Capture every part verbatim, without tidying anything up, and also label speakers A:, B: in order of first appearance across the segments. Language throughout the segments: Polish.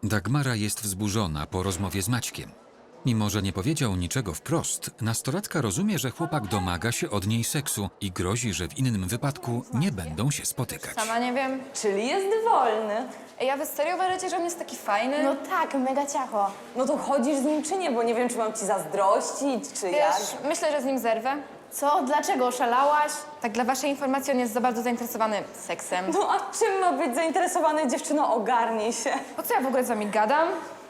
A: Dagmara jest wzburzona po rozmowie z Maćkiem. Mimo że nie powiedział niczego wprost, nastolatka rozumie, że chłopak domaga się od niej seksu i grozi, że w innym wypadku nie będą się spotykać.
B: Sama nie wiem.
C: Czyli jest wolny.
B: Ej, a wy serio uważacie, że on jest taki fajny?
D: No tak, mega ciacho.
C: No to chodzisz z nim czy nie, bo nie wiem, czy mam ci zazdrościć, czy jak.
B: Wiesz, myślę, że z nim zerwę.
D: Co? Dlaczego? Oszalałaś?
B: Tak dla waszej informacji, on jest za bardzo zainteresowany seksem.
C: No a czym ma być zainteresowany, dziewczyno? Ogarnij się.
B: Po co ja w ogóle z wami gadam?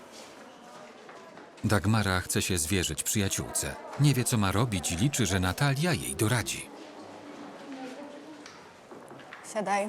A: Dagmara chce się zwierzyć przyjaciółce. Nie wie, co ma robić i liczy, że Natalia jej doradzi.
B: Siadaj.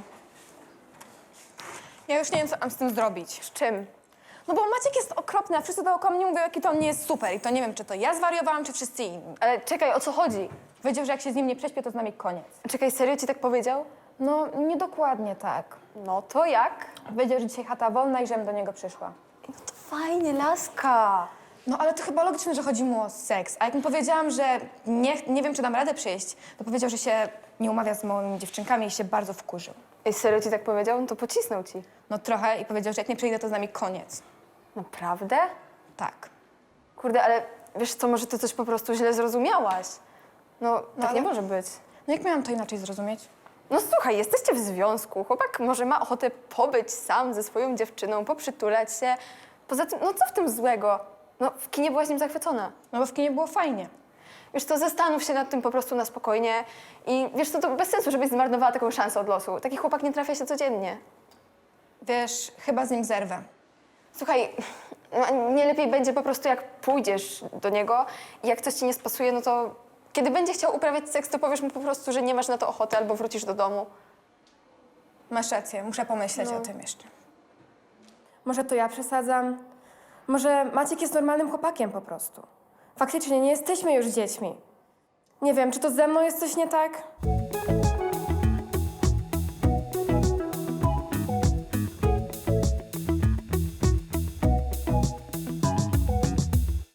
B: Ja już nie wiem, co mam z tym zrobić.
D: Z czym?
B: No bo Maciek jest okropny, a wszyscy dookoła mnie mówią, jaki to on nie jest super. I to nie wiem, czy to ja zwariowałam, czy wszyscy inni.
D: Ale czekaj, o co chodzi?
B: Powiedział, że jak się z nim nie prześpię, to z nami koniec.
D: Czekaj, serio ci tak powiedział?
B: No, niedokładnie tak.
D: No to jak?
B: Powiedział, że dzisiaj chata wolna i żebym do niego przyszła.
D: No to fajnie, laska.
B: No ale to chyba logiczne, że chodzi mu o seks. A jak mu powiedziałam, że nie, nie wiem, czy dam radę przyjść, to powiedział, że się nie umawia z moimi dziewczynkami i się bardzo wkurzył.
D: Ej, serio ci tak powiedział? No to pocisnął ci.
B: No trochę i powiedział, że jak nie przyjdę, to z nami koniec.
D: Naprawdę?
B: Tak.
D: Kurde, ale wiesz co, może ty coś po prostu źle zrozumiałaś. No, tak
B: ale-
D: nie może być.
B: No jak miałam to inaczej zrozumieć?
D: No słuchaj, jesteście w związku. Chłopak może ma ochotę pobyć sam ze swoją dziewczyną, poprzytulać się. Poza tym, no co w tym złego? No w kinie byłaś nim zachwycona.
B: No bo w kinie było fajnie.
D: Wiesz co, zastanów się nad tym po prostu na spokojnie i wiesz co, to bez sensu, żebyś zmarnowała taką szansę od losu. Taki chłopak nie trafia się codziennie.
B: Wiesz, chyba z nim zerwę.
D: Słuchaj, no, nie lepiej będzie po prostu jak pójdziesz do niego i jak coś ci nie spasuje, no to kiedy będzie chciał uprawiać seks, to powiesz mu po prostu, że nie masz na to ochoty albo wrócisz do domu.
B: Masz rację, muszę pomyśleć
D: No.
B: o tym jeszcze.
E: Może to ja przesadzam? Może Maciek jest normalnym chłopakiem po prostu? Faktycznie nie jesteśmy już dziećmi. Nie wiem, czy to ze mną jest coś nie tak?